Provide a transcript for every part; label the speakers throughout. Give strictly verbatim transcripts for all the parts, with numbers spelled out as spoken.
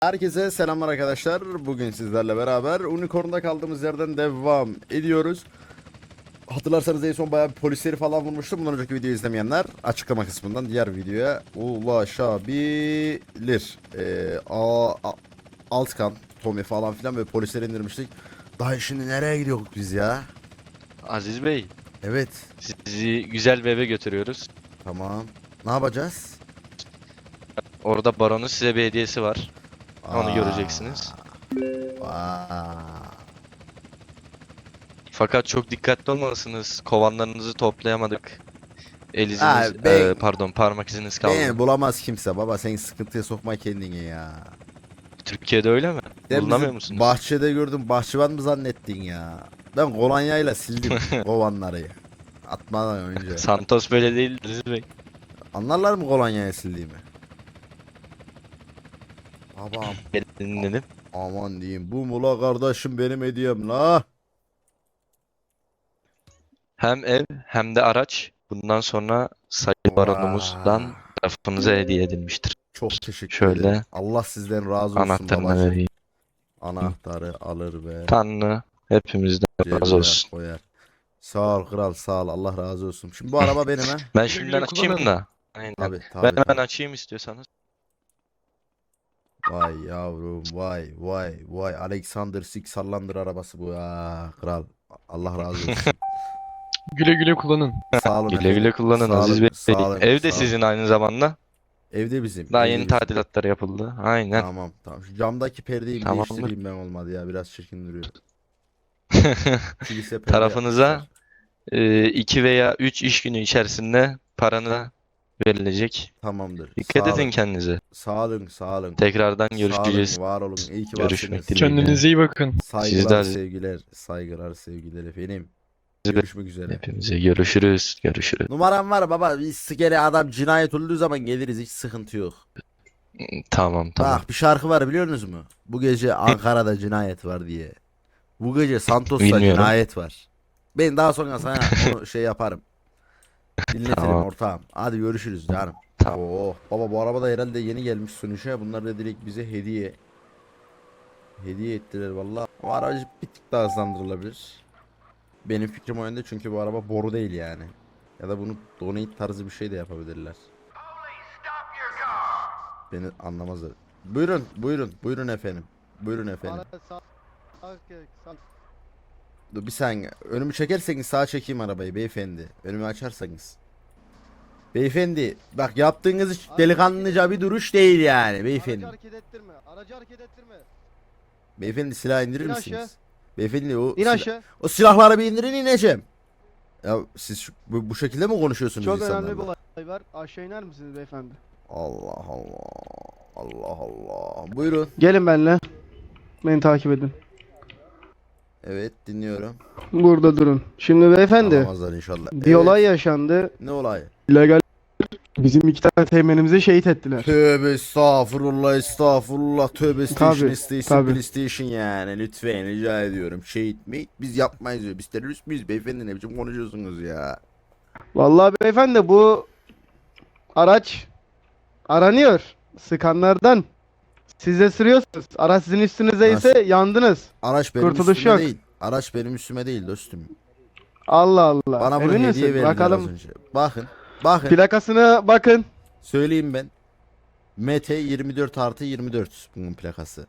Speaker 1: Herkese selamlar arkadaşlar. Bugün sizlerle beraber Unicorn'da kaldığımız yerden devam ediyoruz. Hatırlarsanız en son bayağı bir polisleri falan vurmuştum. Bundan önceki videoyu izlemeyenler açıklama kısmından diğer videoya ulaşabilir. Ee, a, a, Altkan, Tommy falan filan ve polisleri indirmiştik. Daha şimdi nereye gidiyoruz biz ya?
Speaker 2: Aziz Bey,
Speaker 1: Evet.
Speaker 2: sizi güzel bir eve götürüyoruz.
Speaker 1: Tamam. Ne yapacağız?
Speaker 2: Orada baronun size bir hediyesi var. Onu
Speaker 1: Aa,
Speaker 2: göreceksiniz.
Speaker 1: Aa.
Speaker 2: Fakat çok dikkatli olmalısınız. Kovanlarınızı toplayamadık. El iziniz,
Speaker 1: Ha, ben-
Speaker 2: e, pardon parmak iziniz kaldı.
Speaker 1: Beni bulamaz kimse baba, sen sıkıntıya sokma kendini ya.
Speaker 2: Türkiye'de öyle mi?
Speaker 1: Sen
Speaker 2: Bulunamıyor
Speaker 1: bizi
Speaker 2: musunuz?
Speaker 1: bahçede gördüm, bahçıvan mı zannettin ya? Ben kolonyayla sildim kovanları. Atmadan önce.
Speaker 2: Santos böyle değil Aziz Bey.
Speaker 1: Anlarlar mı kolonyayla sildiğimi? Babam
Speaker 2: Gelin dedim.
Speaker 1: aman diyeyim, bu mula kardeşim benim hediyem la.
Speaker 2: Hem ev hem de araç bundan sonra sayın baronumuzdan
Speaker 1: Vay.
Speaker 2: tarafınıza hediye edilmiştir.
Speaker 1: Çok teşekkür
Speaker 2: Şöyle
Speaker 1: ederim. Allah sizden razı olsun
Speaker 2: Anahtarını
Speaker 1: babacığım.
Speaker 2: vereyim.
Speaker 1: Anahtarı alır ve
Speaker 2: Tanrı hepimizden razı
Speaker 1: cebine
Speaker 2: olsun.
Speaker 1: koyar. Sağ ol kral, sağ ol, Allah razı olsun. Şimdi bu araba benim ha.
Speaker 2: Ben şimdiden açayım da. Aynen.
Speaker 1: Tabii
Speaker 2: Ben
Speaker 1: tabii.
Speaker 2: hemen
Speaker 1: tabii.
Speaker 2: açayım istiyorsanız.
Speaker 1: Vay yavrum, vay vay vay, Alexander Six sallandır arabası bu ya kral. Allah razı olsun.
Speaker 3: Güle güle kullanın.
Speaker 1: Sağ olun
Speaker 2: Güle
Speaker 1: efendim.
Speaker 2: güle kullanın
Speaker 1: Sağ
Speaker 2: Aziz
Speaker 1: olun,
Speaker 2: Bey.
Speaker 1: sağ olun,
Speaker 2: Ev de
Speaker 1: sağ olun.
Speaker 2: sizin aynı zamanda.
Speaker 1: Evde bizim.
Speaker 2: Daha
Speaker 1: evde
Speaker 2: yeni
Speaker 1: bizim.
Speaker 2: tadilatlar yapıldı. Aynen.
Speaker 1: Tamam tamam. Şu camdaki perdeyi bir
Speaker 2: Tamamdır.
Speaker 1: değiştireyim ben, olmadı ya, biraz çirkin duruyor. Kilise perde
Speaker 2: Tarafınıza
Speaker 1: yapmışlar.
Speaker 2: e, iki veya üç iş günü içerisinde paranı verilecek.
Speaker 1: Tamamdır.
Speaker 2: Dikkat
Speaker 1: Sağ
Speaker 2: edin
Speaker 1: olun.
Speaker 2: kendinize.
Speaker 1: Sağ olun, sağ olun.
Speaker 2: Tekrardan
Speaker 1: Sağ
Speaker 2: görüşeceğiz.
Speaker 1: olun, var olun. İyi ki
Speaker 2: Görüşmek
Speaker 1: varsınız.
Speaker 2: dileğiyle.
Speaker 3: Kendinize iyi bakın.
Speaker 1: Saygılar,
Speaker 2: Sizler-
Speaker 1: sevgiler. Saygılar, sevgiler efendim.
Speaker 2: Siz-
Speaker 1: Görüşmek üzere.
Speaker 2: Hepimize görüşürüz. Görüşürüz.
Speaker 1: Numaram var baba. Bir sikere adam cinayet olduğu zaman geliriz. Hiç sıkıntı yok.
Speaker 2: Tamam tamam.
Speaker 1: Bak, bir şarkı var, biliyor musunuz mu? Bu gece Ankara'da cinayet var diye. Bu gece Santos'ta
Speaker 2: Bilmiyorum.
Speaker 1: cinayet var. Ben daha sonra sana onu şey yaparım. Dinletirim
Speaker 2: Tamam.
Speaker 1: ortağım. Hadi görüşürüz canım.
Speaker 2: Tamam.
Speaker 1: Oo, baba bu araba da herhalde yeni gelmiş sonuçta. Bunlar da direkt bize hediye. Hediye ettiler vallahi. O aracı bir tık daha hızlandırılabilir. Benim fikrim o yönde, çünkü bu araba boru değil yani. Ya da bunu donate tarzı bir şey de yapabilirler. Beni anlamazlar. Buyurun, buyurun, buyurun efendim. Buyurun efendim. Dur bir saniye. Önümü çekerseniz sağa çekeyim arabayı beyefendi. Önümü açarsanız. Beyefendi bak, yaptığınız hiç delikanlıca bir duruş değil yani beyefendi.
Speaker 4: Aracı hareket ettirme. Aracı hareket ettirme.
Speaker 1: Beyefendi silah indirir
Speaker 4: İn
Speaker 1: misiniz?
Speaker 4: aşağı.
Speaker 1: Beyefendi o,
Speaker 4: İn
Speaker 1: sila-
Speaker 4: aşağı.
Speaker 1: o silahları bir indirin, ineceğim. Ya siz şu- bu, bu şekilde mi konuşuyorsunuz
Speaker 4: Çok
Speaker 1: insanlarla?
Speaker 4: önemli bir olay var. Aşağı iner misiniz beyefendi?
Speaker 1: Allah Allah. Allah Allah. Buyurun.
Speaker 4: Gelin benimle. Beni takip edin.
Speaker 1: Evet, dinliyorum.
Speaker 4: Burada durun. Şimdi beyefendi
Speaker 1: Alamazlar inşallah.
Speaker 4: bir
Speaker 1: Evet.
Speaker 4: olay yaşandı.
Speaker 1: Ne olay?
Speaker 4: İllegal bizim iki tane teğmenimizi şehit ettiler.
Speaker 1: Tövbe estağfurullah, estağfurullah. Tövbe station,
Speaker 4: Tabii,
Speaker 1: station,
Speaker 4: tabii.
Speaker 1: PlayStation yani. Lütfen rica ediyorum. Şehit mi? Biz yapmayız diyor. Biz terörist miyiz beyefendi? Ne biçim konuşuyorsunuz ya?
Speaker 4: Vallahi beyefendi bu araç aranıyor. Sıkanlardan. Siz de sürüyorsunuz. Araç sizin üstünüze ise yandınız.
Speaker 1: Araç benim
Speaker 4: Kurtuluş
Speaker 1: üstüme
Speaker 4: yok.
Speaker 1: değil. Araç benim üstüme değil dostum.
Speaker 4: Allah Allah.
Speaker 1: Bana bunu
Speaker 4: Emin
Speaker 1: hediye
Speaker 4: misin?
Speaker 1: verdiler az
Speaker 4: Bakalım.
Speaker 1: önce. Bakın. Bakın.
Speaker 4: Plakasına bakın.
Speaker 1: Söyleyeyim ben. M T yirmi dört artı yirmi dört bunun plakası.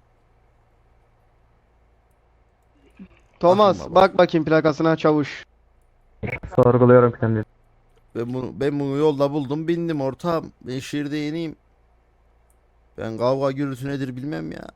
Speaker 4: Thomas
Speaker 1: Bakın baba.
Speaker 4: bak bakayım plakasına çavuş.
Speaker 5: Sorguluyorum kendimi.
Speaker 1: Ben bunu, ben bunu yolda buldum, bindim ortağım. Ben şehirde yeniyim. Ben kavga gürültü nedir bilmem ya.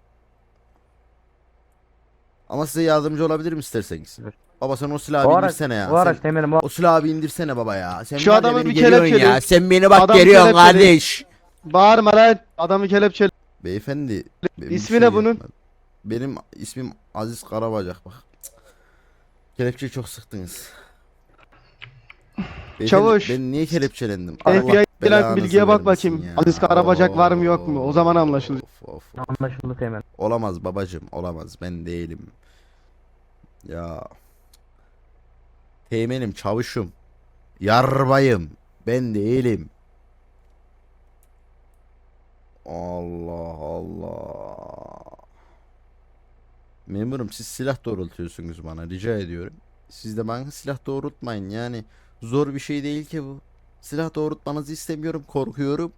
Speaker 1: Ama size yardımcı olabilirim isterseniz.
Speaker 5: Evet.
Speaker 1: Baba sen o silahı
Speaker 5: O
Speaker 1: bir
Speaker 5: araç,
Speaker 1: indirsene ya.
Speaker 5: o araç
Speaker 1: Sen-
Speaker 5: temelim o.
Speaker 1: o silahı bir indirsene baba ya. Sen
Speaker 4: Şu
Speaker 1: var ya,
Speaker 4: adamı
Speaker 1: beni
Speaker 4: bir
Speaker 1: geriyorsun
Speaker 4: kelepçeli.
Speaker 1: ya. Sen beni bak
Speaker 4: Adam
Speaker 1: geriyorsun
Speaker 4: kelepçeli.
Speaker 1: kardeş.
Speaker 4: Bağırma lan. Adamı kelepçeli.
Speaker 1: Beyefendi. benim bir
Speaker 4: İsmi
Speaker 1: şey
Speaker 4: ne bunun?
Speaker 1: yapmadım. Benim ismim Aziz Karabacak bak. Kelepçeyi çok sıktınız. Beyefendi,
Speaker 4: Çavuş.
Speaker 1: ben niye kelepçelendim?
Speaker 4: F B I gelen
Speaker 1: belanızı
Speaker 4: bilgiye bak
Speaker 1: vermesin
Speaker 4: bakayım.
Speaker 1: ya.
Speaker 4: Aziz Karabacak var mı yok mu? O zaman anlaşılır.
Speaker 1: Of, of, of.
Speaker 5: Anlaşıldı teğmen.
Speaker 1: Olamaz babacım, olamaz, ben değilim. Ya. Teğmenim, çavuşum. Yarbayım. Ben değilim. Allah Allah. Memurum siz silah doğrultuyorsunuz bana, rica ediyorum. Siz de bana silah doğrultmayın yani. Zor bir şey değil ki bu. Silah doğrultmanızı istemiyorum, korkuyorum.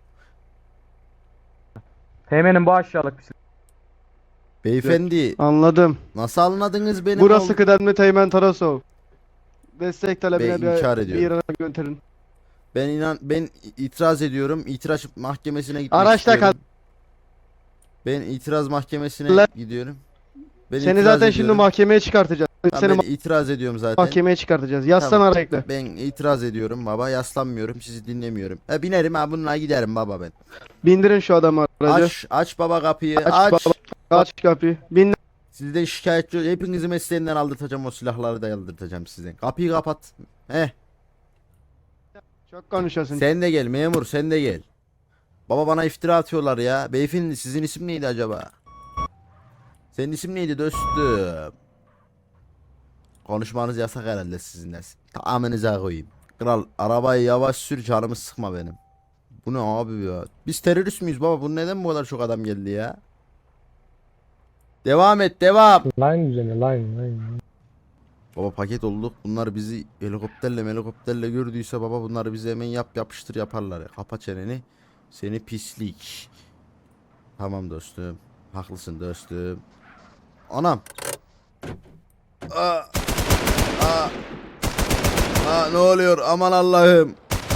Speaker 5: Teğmenim bu aşağılık bir silah.
Speaker 1: Beyefendi
Speaker 4: Anladım.
Speaker 1: nasıl anladınız benim
Speaker 4: Burası
Speaker 1: ol-
Speaker 4: kıdemli Teğmen Tarasov. Destek talebine
Speaker 1: Bey, inkar
Speaker 4: bir, bir
Speaker 1: ediyorum.
Speaker 4: yere gönderin.
Speaker 1: Ben inan ben itiraz ediyorum. İtiraz mahkemesine gitmek
Speaker 4: Araçta
Speaker 1: istiyorum. Ben itiraz mahkemesine
Speaker 4: La-
Speaker 1: gidiyorum. Ben
Speaker 4: Seni
Speaker 1: itiraz
Speaker 4: zaten şimdi
Speaker 1: ediyorum.
Speaker 4: mahkemeye çıkartacağız.
Speaker 1: Tamam,
Speaker 4: Seni
Speaker 1: ben
Speaker 4: ma-
Speaker 1: itiraz ediyorum zaten.
Speaker 4: mahkemeye çıkartacağız. Yazsana
Speaker 1: Tamam.
Speaker 4: ara ekle.
Speaker 1: Ben itiraz ediyorum baba. Yaslanmıyorum. Sizi dinlemiyorum. Ha, binerim ha bununla giderim baba ben.
Speaker 4: Bindirin şu adamı aracı.
Speaker 1: Aç aç baba kapıyı.
Speaker 4: Aç
Speaker 1: Aç.
Speaker 4: baba. Aç kapıyı. Bin.
Speaker 1: Sizden şikayetçi hepinizi mesleğinden aldırtacağım, o silahları da aldırtacağım sizden. Kapıyı kapat. Heh.
Speaker 4: Çok konuşuyorsun.
Speaker 1: Sen de gel memur, sen de gel. Baba bana iftira atıyorlar ya. Beyefendi sizin isim neydi acaba? Senin isim neydi dostum? Konuşmanız yasak herhalde sizinle. Tamamınıza koyayım. Kral arabayı yavaş sür, canımı sıkma benim. Bu ne abi ya? Biz terörist müyüz baba? Bu neden bu kadar çok adam geldi ya? Devam et, devam.
Speaker 5: Line üzerine line line.
Speaker 1: Baba paket olduk. Bunlar bizi helikopterle helikopterle gördüyse baba bunları bize hemen yap yapıştır yaparlar ya. Kapa çeneni. Seni pislik. Tamam dostum. Haklısın dostum. Anam. Aa, aa, aa, ne oluyor? Aman Allah'ım.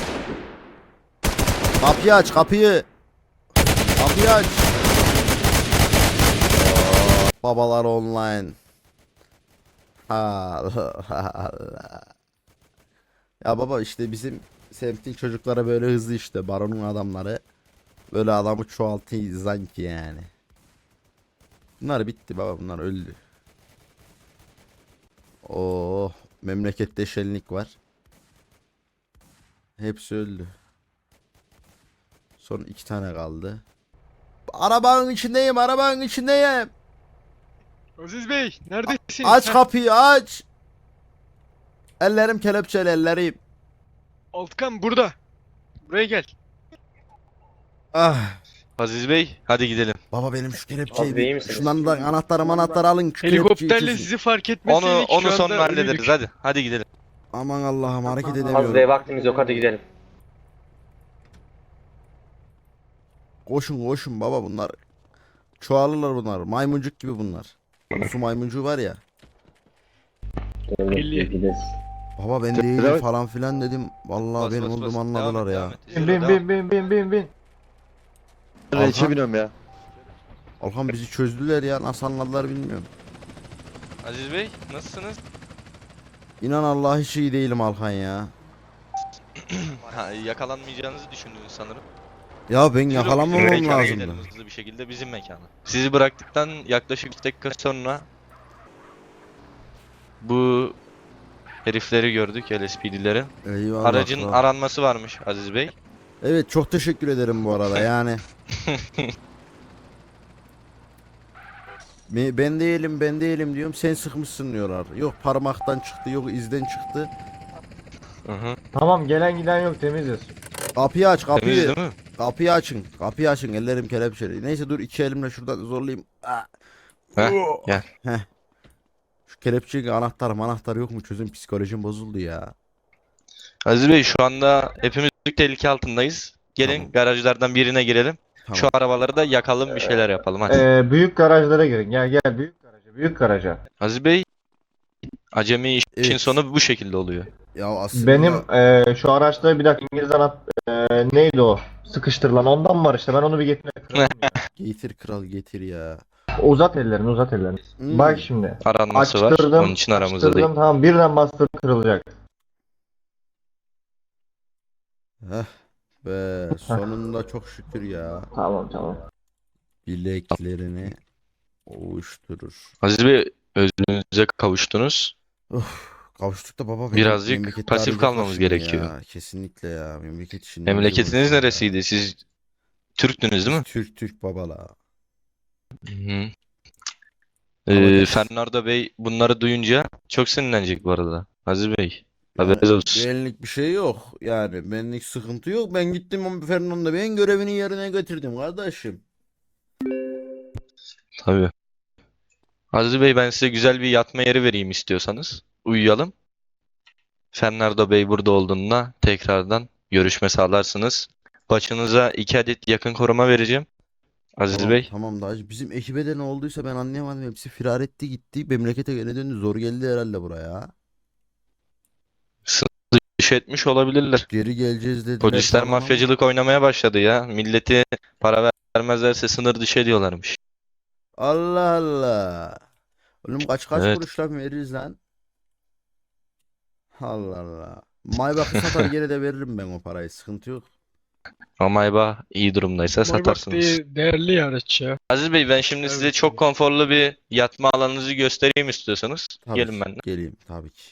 Speaker 1: Kapıyı aç kapıyı. Kapıyı aç. Aa, babalar online. Allah Allah. Ya baba işte bizim semtin çocuklara böyle hızlı işte baronun adamları. Böyle adamı çoğaltıyor sanki yani. Bunlar bitti baba, bunlar öldü. Oh, memlekette şenlik var. Hepsi öldü. Son iki tane kaldı. Arabanın içindeyim, arabanın içindeyim.
Speaker 3: Aziz Bey neredesin?
Speaker 1: Aç
Speaker 3: Heh,
Speaker 1: kapıyı aç. Ellerim kelepçeli ellerim.
Speaker 3: Altkan burada. Buraya gel.
Speaker 1: Ah.
Speaker 2: Aziz Bey hadi gidelim.
Speaker 1: Baba benim şu kelepçeyi
Speaker 6: Abi iyi
Speaker 1: bir,
Speaker 6: misiniz?
Speaker 1: şundan da anahtarı anahtarı alın. Şu kelepçeyi
Speaker 3: Helikopterle
Speaker 1: kesin.
Speaker 3: sizi fark
Speaker 2: Onu
Speaker 3: etmeseydik
Speaker 2: onu
Speaker 3: şu
Speaker 2: sonra
Speaker 3: anda
Speaker 2: hallederiz
Speaker 3: ölüydük.
Speaker 2: hadi. Hadi gidelim.
Speaker 1: Aman Allah'ım hareket
Speaker 6: Az
Speaker 1: edemiyorum.
Speaker 6: Bey vaktimiz yok, hadi gidelim.
Speaker 1: Koşun koşun baba bunlar. Çoğalırlar bunlar. Maymuncuk gibi bunlar. Su maymuncuğu var ya.
Speaker 3: Belli.
Speaker 1: Baba ben değilim falan filan dedim. Vallahi
Speaker 2: Bas,
Speaker 1: benim
Speaker 2: bas,
Speaker 1: olduğumu
Speaker 2: bas.
Speaker 1: anladılar
Speaker 2: Devam et,
Speaker 1: ya.
Speaker 2: devam et.
Speaker 5: Bin
Speaker 2: Yürü,
Speaker 5: bin
Speaker 2: devam.
Speaker 5: bin bin bin bin bin.
Speaker 1: Alhan,
Speaker 7: biniyorum ya.
Speaker 1: Alhan bizi çözdüler ya. Nasıl anladılar bilmiyorum.
Speaker 2: Aziz Bey nasılsınız?
Speaker 1: İnan Allah hiç iyi değilim Alhan ya.
Speaker 2: Ha, yakalanmayacağınızı düşündünüz sanırım.
Speaker 1: Ya ben
Speaker 2: Yürü,
Speaker 1: yakalanmamam
Speaker 2: mekana
Speaker 1: lazımdı.
Speaker 2: gidelim hızlı bir şekilde bizim mekana. Sizi bıraktıktan yaklaşık iki dakika sonra bu herifleri gördük, L S P D'leri.
Speaker 1: Eyvallah.
Speaker 2: Aracın
Speaker 1: kral.
Speaker 2: aranması varmış Aziz Bey.
Speaker 1: Evet çok teşekkür ederim bu arada yani. Me- Ben değilim ben değilim diyorum, sen sıkmışsın diyorlar. Yok parmaktan çıktı, yok izden çıktı.
Speaker 2: Hı hı.
Speaker 5: Tamam gelen giden yok temiziz.
Speaker 1: Kapıyı aç
Speaker 2: Temiz
Speaker 1: kapıyı.
Speaker 2: değil mi?
Speaker 1: Kapıyı açın. Kapıyı açın. Ellerim kelepçeli. Neyse dur iki elimle şuradan zorlayayım. Ah.
Speaker 2: Heh,
Speaker 1: Oh.
Speaker 2: gel.
Speaker 1: Heh. Şu kelepçenin anahtar anahtar yok mu? Çözüm, psikolojim bozuldu ya.
Speaker 2: Aziz Bey şu anda hepimiz büyük tehlike altındayız. Gelin
Speaker 1: Tamam.
Speaker 2: garajlardan birine girelim.
Speaker 1: Tamam.
Speaker 2: Şu arabaları da yakalım, bir şeyler yapalım hadi.
Speaker 5: Ee, büyük garajlara girin. Gel gel büyük garaja. Büyük garaja.
Speaker 2: Aziz Bey, acemi işin
Speaker 1: Evet.
Speaker 2: sonu bu şekilde oluyor.
Speaker 1: Ya aslında
Speaker 5: Benim ee, şu araçta bir dakika İngiliz anahtar ee, neydi o? Sıkıştırılan ondan var işte. Ben onu bir getireyim.
Speaker 1: getir kral getir ya.
Speaker 5: Uzat ellerini uzat ellerini.
Speaker 1: Hmm.
Speaker 5: Bak şimdi.
Speaker 2: Aranması var.
Speaker 5: Açtırdım.
Speaker 2: Onun için aramızda
Speaker 5: açtırdım,
Speaker 2: değil.
Speaker 5: tamam birden bastırıp kırılacak.
Speaker 1: Heh. Be sonunda çok şükür ya.
Speaker 5: Tamam tamam.
Speaker 1: Bileklerini ovuşturur.
Speaker 2: Aziz Bey, özünüze kavuştunuz.
Speaker 1: Kavuştuk da baba. benim
Speaker 2: Birazcık
Speaker 1: memlekette
Speaker 2: pasif
Speaker 1: arayacaklar
Speaker 2: kalmamız
Speaker 1: şimdi
Speaker 2: gerekiyor.
Speaker 1: Ya. Kesinlikle ya. Memleket işini.
Speaker 2: Memleketiniz neresiydi? Siz Türktünüz değil mi?
Speaker 1: Türk Türk babala.
Speaker 2: Hı hı.
Speaker 1: Ama
Speaker 2: Ee,
Speaker 1: geç-
Speaker 2: Fernando Bey bunları duyunca çok sinirlenecek bu arada. Aziz Bey. Haberiniz olsun.
Speaker 1: Benlik bir şey yok. Yani benlik sıkıntı yok. Ben gittim o Fernando Bey'in görevini yerine getirdim kardeşim.
Speaker 2: Tabii. Aziz Bey, ben size güzel bir yatma yeri vereyim istiyorsanız. Uyuyalım. Fernando Bey burada olduğunda tekrardan görüşme sağlarsınız. Başınıza iki adet yakın koruma vereceğim. Aziz
Speaker 1: Tamam,
Speaker 2: Bey.
Speaker 1: tamam dayı. Bizim ekibe de ne olduysa ben anlayamadım. Hepsi firar etti gitti. Memlekete geri döndü. Zor geldi herhalde buraya.
Speaker 2: Sınır dışı etmiş olabilirler.
Speaker 1: Geri geleceğiz dediler
Speaker 2: Polisler
Speaker 1: falan ama.
Speaker 2: mafyacılık oynamaya başladı ya. Milleti para ver- vermezlerse sınır dışı ediyorlarmış.
Speaker 1: Allah Allah. Oğlum kaç kaç
Speaker 2: Evet.
Speaker 1: kuruş lan veririz lan? Allah Allah. Maybach'ı satar geri de veririm ben o parayı. Sıkıntı yok.
Speaker 2: Ama iyi durumdaysa
Speaker 3: Maybach
Speaker 2: satarsınız.
Speaker 3: değil, değerli araç ya.
Speaker 2: Aziz Bey, ben şimdi size
Speaker 3: Evet.
Speaker 2: çok konforlu bir yatma alanınızı göstereyim istiyorsanız.
Speaker 1: Tabii
Speaker 2: Gelin
Speaker 1: ki,
Speaker 2: benimle.
Speaker 1: geleyim tabii ki.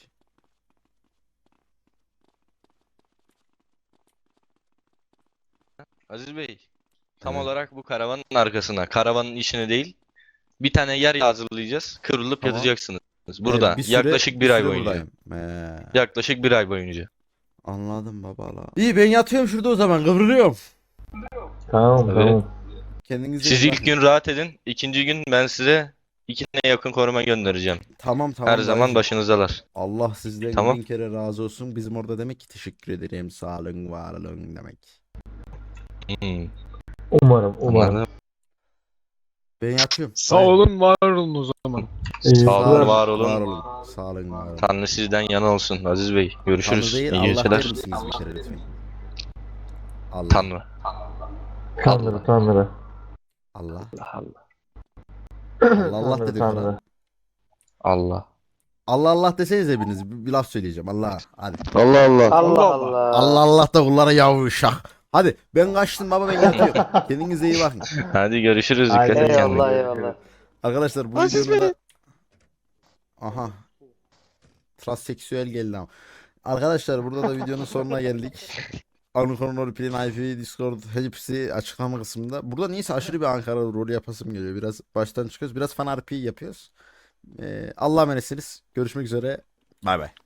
Speaker 2: Aziz Bey, tam
Speaker 1: Evet.
Speaker 2: olarak bu karavanın arkasına, karavanın içine değil, bir tane yer hazırlayacağız. Kıvrılıp
Speaker 1: Tamam.
Speaker 2: yatacaksınız. Burada,
Speaker 1: Ee, bir süre-
Speaker 2: yaklaşık bir ay
Speaker 1: süre
Speaker 2: boyunca.
Speaker 1: buradayım. Ee,
Speaker 2: Yaklaşık bir ay boyunca.
Speaker 1: anladım baba la. İyi ben yatıyorum şurada o zaman kıvrılıyorum.
Speaker 5: Tamam
Speaker 2: Evet.
Speaker 5: tamam.
Speaker 1: Kendinize
Speaker 2: Siz
Speaker 1: iyi
Speaker 2: ilk
Speaker 1: bakın.
Speaker 2: gün rahat edin. İkinci gün ben size iki tane yakın koruma göndereceğim.
Speaker 1: Tamam tamam
Speaker 2: Her zaman
Speaker 1: dayıcım.
Speaker 2: başınızdalar.
Speaker 1: Allah sizden
Speaker 2: Tamam.
Speaker 1: bin kere razı olsun. Bizim orada demek ki teşekkür ederim. Sağ olun, var olun demek.
Speaker 2: Hmm,
Speaker 5: Umarım umarım.
Speaker 2: anladım.
Speaker 1: Ben yatıyorum.
Speaker 3: Sağ
Speaker 1: Dayı.
Speaker 3: olun, var olun o zaman.
Speaker 5: İyi
Speaker 2: Sağ olun,
Speaker 5: geceler.
Speaker 2: var olun.
Speaker 1: Var olun. Sağ olun, var olun.
Speaker 2: Tanrı sizden yana olsun Aziz Bey.
Speaker 1: Tanrı
Speaker 2: Görüşürüz.
Speaker 1: değil,
Speaker 2: İyi
Speaker 1: Allah
Speaker 2: geceler.
Speaker 1: der misiniz bir kere lütfen? Allah.
Speaker 2: Tanrı.
Speaker 5: Tanrı Tanrı.
Speaker 1: Allah.
Speaker 2: Allah.
Speaker 1: Allah Allah
Speaker 5: Tanrı
Speaker 1: dedik
Speaker 5: Tanrı.
Speaker 1: lan.
Speaker 2: Allah.
Speaker 1: Allah Allah deseniz hepiniz. Bir, bir laf söyleyeceğim. Allah. Hadi.
Speaker 2: Allah Allah.
Speaker 3: Allah Allah.
Speaker 1: Allah Allah da kullara yavuşak. Hadi ben kaçtım baba ben yatıyorum. Kendinize iyi bakın.
Speaker 2: Hadi görüşürüz. Dikkat
Speaker 5: Haydi
Speaker 2: edin kendinize.
Speaker 5: eyvallah eyvallah.
Speaker 1: Arkadaşlar bu videonun da... Aha. Transseksüel geldi ama. Arkadaşlar burada da videonun sonuna geldik. Unicorn Roleplay'in I P, Discord hepsi açıklama kısmında. Burada neyse aşırı bir Ankara rol yapasım geliyor. Biraz baştan çıkıyoruz. Biraz fan R P yapıyoruz. Ee, Allah'a emanetsiniz. Görüşmek üzere. Bay bay.